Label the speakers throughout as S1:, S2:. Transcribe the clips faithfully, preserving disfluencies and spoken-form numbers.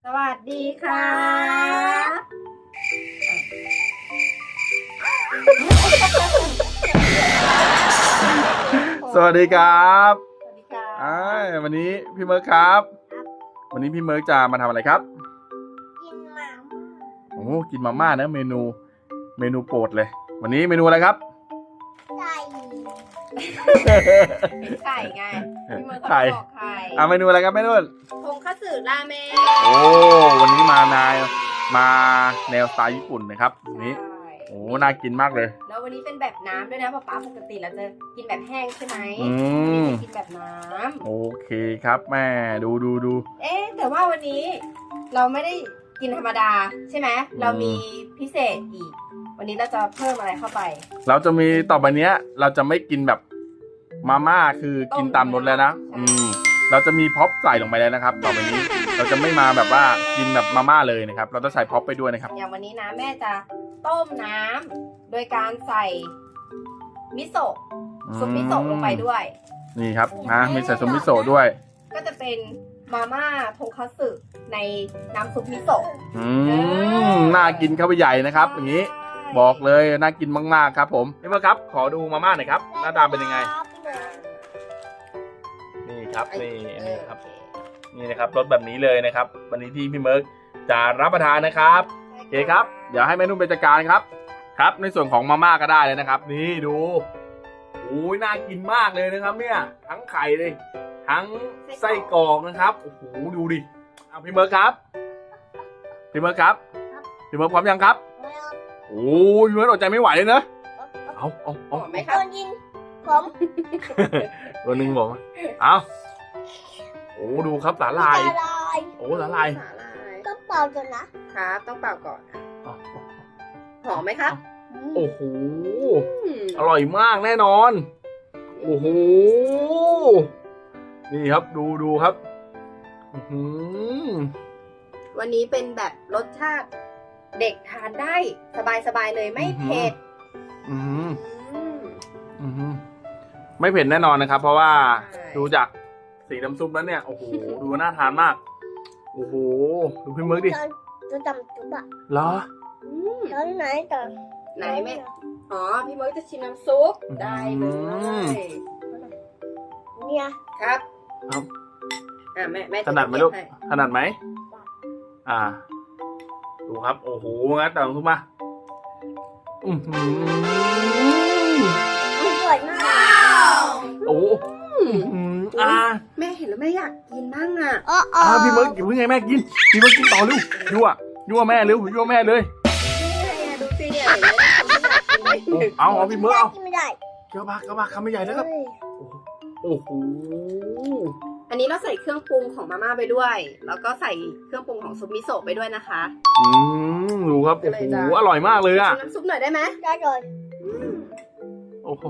S1: สวัสดีค่ะ
S2: สวัสดีครับ
S1: สวัสดีค่ะ
S2: อ่าวันนี้พี่เมิร์กครับ วันนี้พี่เมิร์กจะมาทำอะไรครับ
S3: กินหมา
S2: โอ้กินมาม่านะเมนู เมนูโปรดเลย วันนี้เมนูอะไรครับ
S3: ไก่
S1: ไข่ไงพี่เมิร์ก
S2: ไข่
S1: ก็บอกไข่
S2: อ่าเมนูอะไรครับแม่นุ่น
S1: ทงคัตสึราเมง
S2: โอ้วันนี้มานายมาแนวสไตล์ญี่ปุ่นนะครับวันนี้
S1: ใช่
S2: โอ้น่ากินมากเลย
S1: แล้ววันนี้เป็นแบบน้ำด้วยนะป๊าป๊าปกติเราจะกินแบบแห้งใช่ไหม
S2: อืม
S1: กินแบบน้
S2: โอเคครับแม่ดูดูดู
S1: ำเอ๊ะแต่ว่าวันนี้เราไม่ได้กินธรรมดาใช่ไหมเรามีพิเศษอีก วันนี้เราจะเพิ่มอะไรเข้าไป
S2: เราจะมีต่อไปเนี้ย เราจะไม่กินแบบมาม่าคือกินตามรสแล้วนะ
S1: ใช่
S2: อืม เราจะมีพ็อปใส่ลงไปแล้วนะครับ ต่อไปนี้ เราจะไม่มาแบบว่ากินแบบมาม่าเลยนะครับ เราจะใส่พ็อปไปด้วยนะครับ
S1: อย่างวันนี้นะแม่จะต้มน้ำโดยการใส่มิโซะซุปมิโซะลงไปด้วย
S2: นี่ครับนะมีใส่ซุปมิโซะด้วย
S1: ก็จะเป็นมาม่าทงคัตสึในน้ำซุปมิโซะ
S2: อืมน่ากินเข้าไปใหญ่นะครับ อย่างนี้บอกเลยน่ากินมากๆครับผมพี่เมื่อครับ ขอดูมาม่าหน่อยครับหน้าตาเป็นยังไง นี่ครับนี่
S1: เอ
S2: นี่
S1: อ
S2: ครับ
S1: โอเค
S2: นี่นะครับรสแบบนี้เลยนะครับ วันนี้ที่พี่เมิร์กจะรับประทานนะครับโอเคครับเดี๋ยวให้แม่นุ่มไปจัดการครับ ครับในส่วนของมาม่าก็ได้เลยนะครับ นี่ดูโอ้ยน่ากินมากเลยนะครับ เนี่ยทั้งไข่เลยทั้งไส้กรอกนะครับโอ้โหดูดิเอาพี่เมิร์กครับพี่เมิร์กครับพี่เมิร์กพร้อมยังครับโอ้ยพี่เมิร์กอดใจไม่ไหวเลยนะเอาเอา
S1: ห
S2: เอา
S1: อมไหมค
S3: โด
S1: รับ
S3: นยิงผม
S2: ตัวหนึ่งบอกมาเอาโอ้ดูครับสาลาย
S3: ละลาย
S2: โอ้สาลาย
S1: สาหร่าย
S3: ก็เป่าจนนะครับ
S1: ต้องเป่าก่อน
S2: เอา
S1: หอมไหมครับ
S2: โอ้โห
S1: อืม
S2: อร่อยมากแน่นอน โอ้โห นี่ครับดูดูครับอื้อหือ
S1: วันนี้เป็นแบบรสชาติเด็กทานได้สบายๆเลยไม่เผ็ด
S2: อื้อหือ
S1: อืม
S2: อื้อหือไม่เผ็ดแน่นอนนะครับ เพราะว่า
S1: ใช่
S2: ดูจากสีน้ำซุปแล้วเนี่ย โอ้โห ดูน่าทานมาก โอ้โห ดูพี่เมิร์กดิ
S3: จะจะจำจุบอะ
S2: เหรอ
S1: อืม
S3: ตอนไหนตอน
S1: ไหนแม่อ๋อพี่เมิร์กจะชิมน้ำซุปได้เล
S2: อืม
S1: ย
S3: เนี่ย
S1: ครับ
S2: ครับ
S1: อ่าแม่แม่
S2: ถนัดไหมลูก
S1: ให้
S2: ถนัดไหม อ่า ดูครับ โอ้โห งั้นแต่งทุกมา อือหือ
S3: มันสวยมาก
S2: โอ้โหอื้อหืออ่า
S1: แม่เห็นแล้วแม่อยากกินบ้างอ่ะ
S3: อ๋ออ๋อ
S2: อ่าพี่เมิร์กอย่าเพิ่งให้แม่กิน พี่เมิร์กกินต่อเร็วยั่วยั่วแม่เร็วยั่วแม่เลย
S1: นี่ไงดูสิเนี่ยเห็นไหมทำให้อยากกินเลย
S2: เอาเอาพี่เมิร์กเอา
S3: กินไม่ได้
S2: เกี่ยวมาเกี่ยวมาคำไม่ใหญ่แล้วครับ
S3: เฮ้ย
S2: โอ้โห
S1: อันนี้เราใส่เครื่องปรุงของมาม่าไปด้วย แล้วก็ใส่เครื่องปรุงของซุปมิโซะไปด้วยนะคะ
S2: อืมดูครับ โอ้โห อร่อยมากเลยอ่ะ
S1: ชิมน้ำซุปหน่อยได้ไหม
S3: ได้เลย
S2: โอ้โห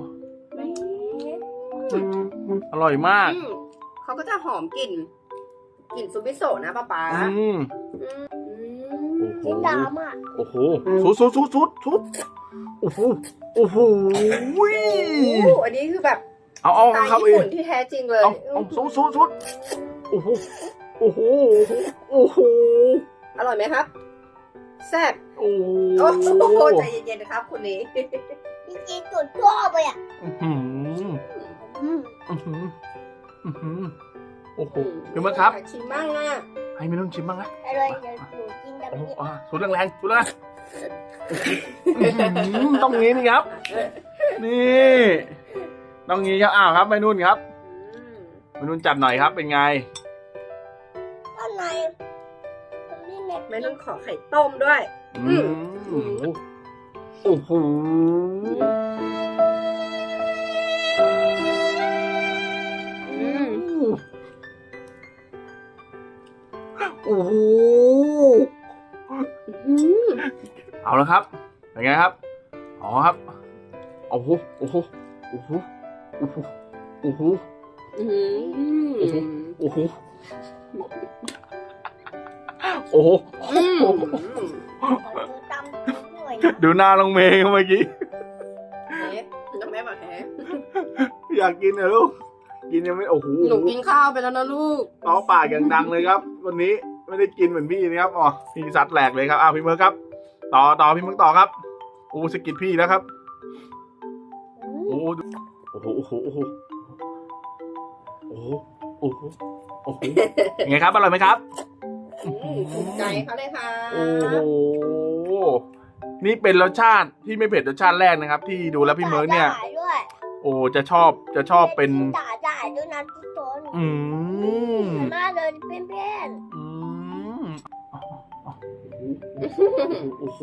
S2: อร่อยมาก
S1: อืมเขาก็จะหอมกลิ่นกลิ่นซุปมิโซะนะป๊าป๊า
S2: อืม
S1: อืม
S2: โอ้โห
S3: กินดำอ่ะ
S2: โอ้โหสุดสุดสุดสุดสุดโอ้โห โอ้โห
S1: โอ้อันนี้คือแบบ
S2: เอาเอา
S1: สไตล์
S2: ครับ
S1: ญี่
S2: เอ
S1: ปุ่นที่แท้จริงเลย
S2: เอาเอาสุดสุดสุดโอ้โห โอ้โห โอ้โห
S1: อร่อยไหมครับ แซ่บ
S2: โอ้โห
S1: โอ้โหใจเย็นๆนะครับคุณนี้
S3: จริงๆจุดชอบเลยอ่ะ
S2: อื้อหือ
S3: อืม
S2: อื้อหืออื้อหือโอ้โหพี่เมิร์กครับ
S1: อยากชิมบ้างอ่ะ
S2: ให้ไม่ต้องชิมบ้างนะ
S3: อร่อยเดี๋ยวหนูกินแบบ
S2: โอ้โห
S3: นี้
S2: อ่าสุดแรงๆสุดแรงๆอื้อหือต้องงี้นี่ครับ นี่ต้องงี้ครับอ้าวครับแม่นุ่นครับ
S1: อืม
S2: แม่นุ่นจัดหน่อยครับเป็นไง
S3: ข้างในตรงนี้เน็ต
S1: แม่นุ่นขอไข่ต้มด้วย
S2: อืมโอ้โหโอ้โห
S1: อืม
S2: เอาแล้วครับเป็นไงครับอ๋อครับโอ้โหโอ้โหโอ้โหโอ้โหโอ้โห
S1: อืม
S2: โอ้โหโอ้โห
S1: อืม
S3: ขอดูตำหน่อย
S2: ดูหน้าลงเมย์เมื่อกี้
S1: เฮ้น้ำแม่บอกแฮะ
S2: อยากกินเหรอลูกกินยังไม่โอ้โห
S1: หนูกินข้าวไปแล้วนะลูก
S2: เต้าปากอย่างดังเลยครับ วันนี้ไม่ได้กินเหมือนพี่นะครับอ๋อพี่ซัดแหลกเลยครับอ้าวพี่เมิร์กครับ ต่อต่อพี่เมิร์กต่อครับโอ้สกิดพี่แล้วครับโอ้โอ้โหโอ้โหโอ้โหโอ้โหโอ้โหโอ้โหยังไงครับอร่อยไหมครับ
S1: อืมถูกใจเขาเลยค่ะ
S2: โอ้โหนี่เป็นรสชาติที่ไม่เผ็ดรสชาติแรกนะครับ ที่ดูแล้วพี่เมิร์กเนี่ย
S3: จ่ายด้วย
S2: โอ้จะชอบจะชอบเป็น
S3: จ่ายจ่ายด้วยนะทุกคน
S2: อืม
S3: มาเลยเพื่อน
S2: อืมโอ้โห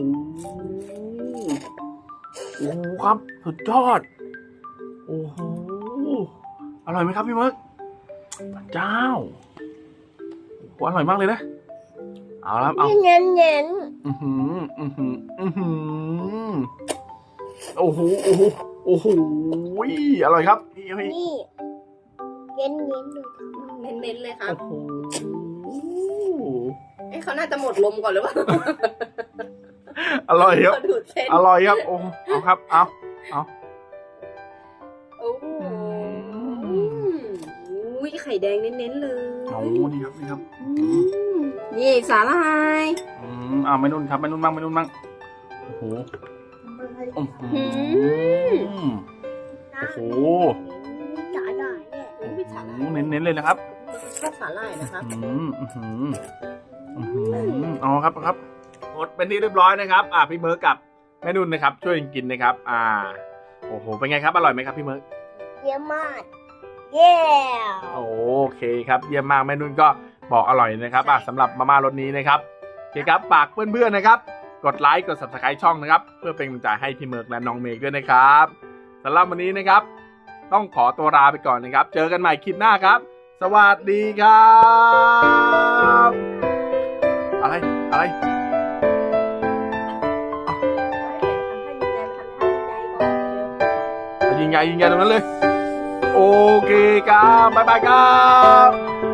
S2: โอ้โหครับสุดยอดโอ้โหอร่อยไหมครับพี่เมิร์กพระเจ้าโอ้โหอร่อยมากเลยนะเอาละ
S3: ๆ
S2: เอา
S3: นี่เน้นเน้น
S2: อือหืออือหืออือหือโอ้โหโอ้โหโอ้โหอร่อยครับนี่
S3: ๆนี่เน้นเน้นๆดู
S1: เน้นๆเลยครับ
S2: โอ้โห
S1: เอ้เขาน่าจะหมดลมก่อนหรือเปล่า
S2: อร่อยครับ
S1: เขาดูดเส้น
S2: อร่อยครับโอ้เอาครับเอาเอา
S1: โอ้โหอุ้ยไข่แดงเน้นๆเลย
S2: เอานี่ครับนี่ครับ
S1: อืมนี่สาหร่าย
S2: อืมเอาไม่นุ่นครับไม่นุ่นบ้างไม่นุ่นบ้างโอ้โหโอ้โห
S1: อืม
S2: โอ้โห
S3: จ่ายได้เนี่ย
S1: อุ้ยสาหร่าย
S2: เน้นเน้นๆเลยนะครับ
S1: ชอบสาหร่ายนะครับ
S2: อืมอืมอืมอืมเอาครับครับหมดเป็นที่เรียบร้อยนะครับ อ่าพี่เมิร์กกับแม่นุ่นนะครับ ช่วยกันกินนะครับ อ่าโอ้โหเป็นไงครับอร่อยไหมครับพี่เมิร์ก
S3: เยี่ยมมากเย้
S2: โอเคครับเยี่ยมมากแม่นุ่นก็บอกอร่อยนะครับอ่ะสำหรับมาม่ารสนี้นะครับโอเคครับฝากเพื่อนๆนะครับ กดไลค์กด ซับสไครบ์ ช่องนะครับ เพื่อเป็นกำลังใจให้พี่เมิร์กและน้องเมกด้วยนะครับสำหรับวันนี้นะครับ ต้องขอตัวลาไปก่อนนะครับ เจอกันใหม่คลิปหน้าครับ สวัสดีครับอะไรอะไร ยิงใหญ่ยิงใหญ่ตรงนั้นเลย โอเคครับบ๊ายบายครับ